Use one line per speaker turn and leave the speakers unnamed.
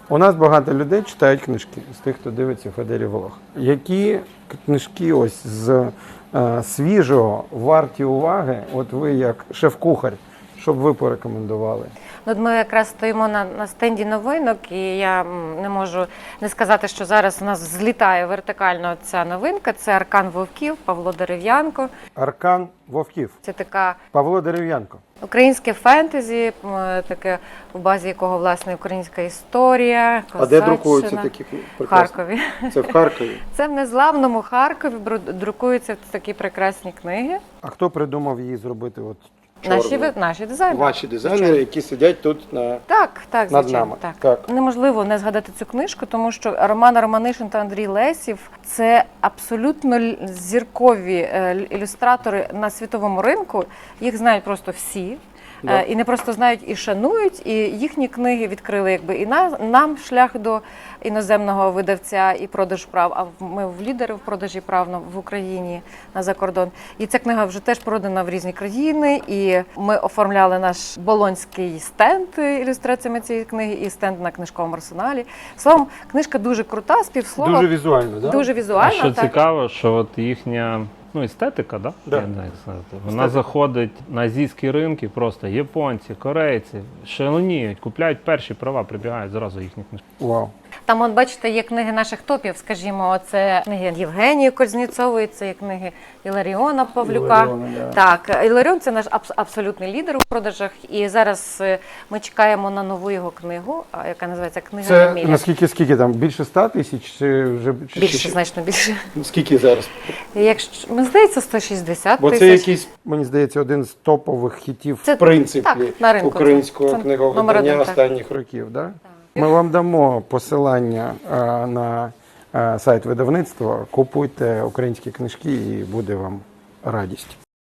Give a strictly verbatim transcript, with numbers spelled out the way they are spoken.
У нас багато людей читають книжки, з тих, хто дивиться Федері Влог. Які книжки ось з е, свіжого варті уваги, от ви як шеф-кухар, щоб ви порекомендували?
Ну, от ми якраз стоїмо на, на стенді новинок, і я м, не можу не сказати, що зараз у нас злітає вертикально ця новинка. Це «Аркан вовків» Павло Дерев'янко.
Аркан вовків.
Це така
Павло Дерев'янко.
українське фентезі, м, таке, в базі якого, власне, українська історія,
А де
козаччина.
друкуються такі
В
прекрасні?
Харкові.
Це в Харкові.
Це в незламному Харкові бру- друкуються такі прекрасні книги.
А хто придумав її зробити от
Наші,
чорною?
ви- наші дизайнери.
Ваші дизайнери, які сидять тут на...
Так, так,
Над
звичайно.
нами.
Так.
Так.
Неможливо не згадати цю книжку, тому що Роман Романишин та Андрій Лесів – це абсолютно л- зіркові е, л- ілюстратори на світовому ринку. Їх знають просто всі.
Да.
Е, І не просто знають, і шанують, і їхні книги відкрили якби і на, нам шлях до іноземного видавця і продаж прав, а ми в лідери в продажі прав на- в Україні на закордон. І ця книга вже теж продана в різні країни, і ми оформляли наш болонський стенд ілюстраціями цієї книги і стенд на книжковому арсеналі. Словом, книжка дуже крута, співслова,
Дуже візуально, так?
дуже
А
візуальна.
що
так.
цікаво, що от їхня ну, естетика, да?
Да.
Я не знаю, як сказати. Вона заходить на азійські ринки, просто японці, корейці шаленіють, купляють перші права, прибігають зразу їхні книжки.
Вау.
Там, от бачите, є книги наших топів, скажімо, це книги Євгенії Кузнєцової, це є книги Іларіона Павлюка.
Іларіона, да.
Так, Іларіон – це наш абс- абсолютний лідер у продажах, і зараз е, ми чекаємо на нову його книгу, а, яка називається «Книга
Це
Еміля».
наскільки, скільки там? Більше ста тисяч? Чи вже... чи-
Більше,
чи-
значно більше.
Скільки зараз?
Якщо, мені здається, сто шістдесят
Бо
тисяч.
це якийсь, мені здається, один з топових хітів,
Це-
в принципі,
так, на ринку.
українського
Це номер
книговидання
один, так.
останніх років. Да? Ми вам дамо посилання а, на а, сайт видавництва, купуйте українські книжки і буде вам радість.